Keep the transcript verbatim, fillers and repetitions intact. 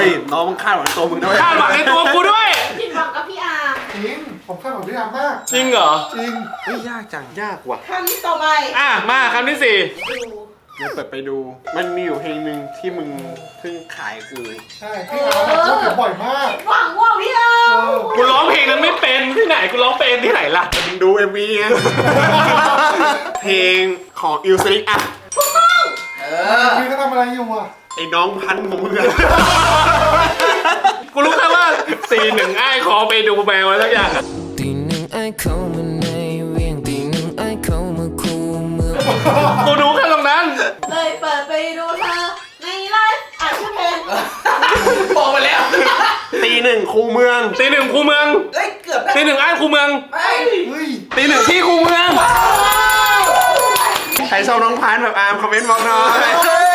ยน้องมึงคาดหวังตัวมึงด้วยคาดหวังในตัวกูด้วยผิดหวังกับพี่อาร์มจริงผมคาดหวังพี่อาร์มมากจริงเหรอจริงเฮ้ยยากจังยากว่ะคำต่อไปอ่ะมาคำที่สี่ดูเดี๋ยวเปิดไปดู มันมีอยู่เพลงหนึ่งที่มึงเพิ่งขายกูใช่พี่อาร์มอะพูดถึงบ่อยมากผิดหวังว่าพี่อาร์มกูร้องเพลงนั้นไม่เป็นที่ไหนกูร้องเป็นที่ไหนล่ะมึงดูเอ็มวีไงเพลงของอิลสลิกอะพี่ก็ทำอะไรอยู่อ่ะไอ้น้องพันธุ์ของมึงอะกูรู้แค่ว่าสี่หนึ่งไอ้คอไปดูแมวอะไรสักอย่างอะตีหนึ่งไอ้เข้ามาในเวียงตีหนึ่งไอ้เข้ามาคูเมืองกูรู้แค่ตรงนั้นเลยเปิดไปดูเธอในไลฟ์อ่านชื่อเพลงบอกมาแล้วตีหนึ่งคูเมืองตีหนึ่งคูเมืองเอ้ยเกือบได้ตีหนึ่งไอ้คูเมืองไอ้เฮ้ยตีหนึ่งที่คูเมืองใครชอบน้องพันธุ์แบบอาร์มคอมเมนต์บอกหน่อยเฮ้